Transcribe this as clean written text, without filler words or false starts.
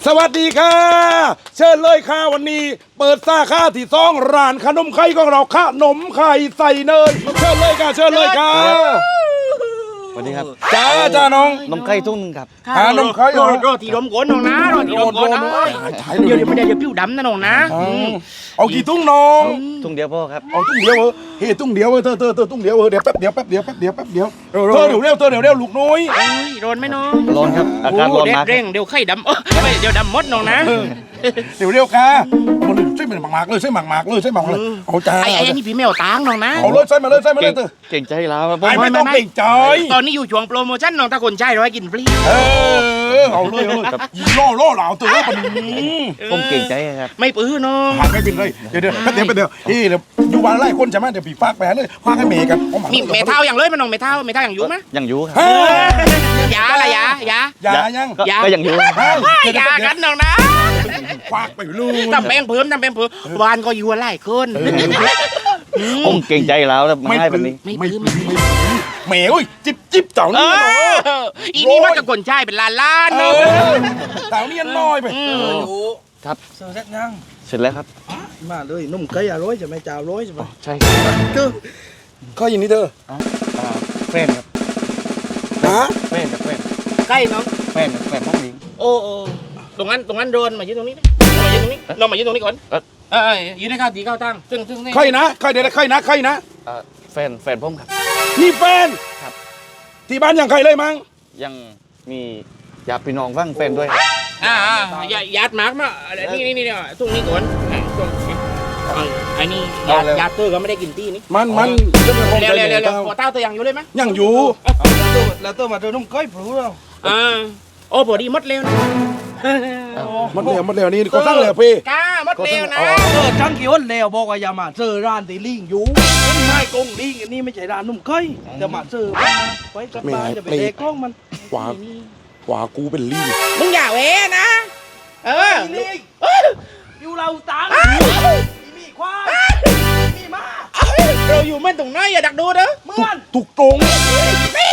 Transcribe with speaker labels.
Speaker 1: สวัสดีค่ะเชิญเลยค่ะวันนี้เปิดสาขาที่ซองร้านขนมไข่ของเราขนมไข่ใส่เนยเชิญเลยค่ะเชิญเลยค่ะ
Speaker 2: สวัสดีครับ
Speaker 1: จ้าน้อง
Speaker 2: นมไข่ทุ่งนึงครับ
Speaker 1: นมไข่
Speaker 3: โรตีลมก้นน้องนะโรตีลมก้นนะเดี๋ยวไม่ได้เดี๋ยวผิวดำนะน้องนะ
Speaker 1: เอากี่ตุ้งน้อง
Speaker 2: ทุ่งเดียวพ่อครับ
Speaker 1: เอาตุ้งเดียวเฮ้ตุ้งเดียวเธอตุ้งเดียวเดี๋ยวแป๊บเดียวเร็วลูกน้อย
Speaker 3: ร้อนไหมน้อง
Speaker 2: ร้อนครับ อากาศร้อนมาก
Speaker 3: เร่งเดี๋ยวไข่ดำเดี๋ยวดำมดน้องนะ
Speaker 1: เร็วค่ะมันใช่หมากเลยใช่หมากเลยเอาจ้า
Speaker 3: ไอ้นี่พี่แมวตางน้องนะ
Speaker 1: เอาเลยใช่มาเลยเธอ
Speaker 2: เก่งใจแล้วครับ
Speaker 1: ไม่ต้องเก่งใจ
Speaker 3: ตอนนี้อยู่ช่วงโปรโมชั่นน้องถ้าคนใช้ร้อยกินฟรี
Speaker 1: เอาเลยยีล่อเหล่าตัวมัน
Speaker 2: ผมเก่งใจครับ
Speaker 3: ไม่ปื้อน้อง
Speaker 1: หาไม่เป็นเลยเดี๋ยวอยู่บ้านไล่คนใช่ไหมเดี๋ยวปีฟากแปเลยฟากให้เมย์กัน
Speaker 3: มีเมทัลอย่างเลยมันน้องเมทัลอย่างอยู่ไหม
Speaker 2: ยังอยู่ครับ
Speaker 3: ยาอะไรยา
Speaker 1: ยัง
Speaker 2: ก็ยังอยู่
Speaker 3: ยากันน้องนะ
Speaker 1: ฟากไปลูก
Speaker 3: ทำแป้งเพิ่มวานก็อยู่ไล่คน
Speaker 2: ผมเก่งใจแล้วมาให้แบบนี้
Speaker 1: ไม่เมย์จิ๊บเต่านี่
Speaker 3: อีนี่มันกับคนใช้เป็นล้านเนาะ
Speaker 1: เต่านี่น้อยไป
Speaker 2: ครับ
Speaker 4: เสร็จแล้วยัง
Speaker 2: เสร็จแล้วครับ
Speaker 4: มาเลยนุ่มไก่อร่อยจะไม่จ่าร้อยใช่ไหม
Speaker 2: ใช่ครับ
Speaker 1: ข้อยินนี้เธอ
Speaker 2: แฟนครับ
Speaker 1: ฮะ
Speaker 2: แฟน
Speaker 3: ใกล้น้อง
Speaker 2: แฟนห้องนี้
Speaker 3: โอ้ตรงนั้นโดนมายืนตรงนี้เรามายืนตรงนี้ก่อนยืนให้ข้าวตีข้าวตั้งซึ่งนี่
Speaker 1: ใครนะใครเดี๋ยวใครนะ
Speaker 2: แฟนผมครับ
Speaker 1: นี่แฟน
Speaker 2: ครับ
Speaker 1: ที่บ้านยังใครเลยมั้ง
Speaker 2: ยังมีญาติพี่น้องฟังแฟนด้วย
Speaker 3: ยัดมาร์กมานี่เนี่ยตรงนี้ก่อนไอ้นี่ยัดเตอร์ก็ไม่ได้กินตี้นี่
Speaker 1: มัน
Speaker 3: เร็วหัวเต้าตัวยังอยู่เลยไหม
Speaker 1: ยังอยู่
Speaker 4: แล้วตัวมาเจอนุ่มไก่ปลูเรา
Speaker 3: โอ้พอดีมดเร็วนะ
Speaker 1: มันเร็วนี่ก็ตั้งเร็วพี่
Speaker 3: ก้ามดเร็วนะ
Speaker 4: จังกี่วันแล้วบอกว่าอย่ามาเจอร้านตีลิงอยู่ไม่กงลิงอันนี้ไม่ใช่ร้านนุ่มไก่แต่มาเจอไปกลับบ้านจะไปเด็กกล้องมัน
Speaker 1: กว่ากูเป็นลี่
Speaker 3: มึงอย่าเว้นะ
Speaker 4: อยู่เราตังมีควายมีม้า
Speaker 3: เราอยู่มันตรงไหนอย่าดักดูเด้อ
Speaker 4: เมื่อน
Speaker 1: ถูกตรง
Speaker 3: แม่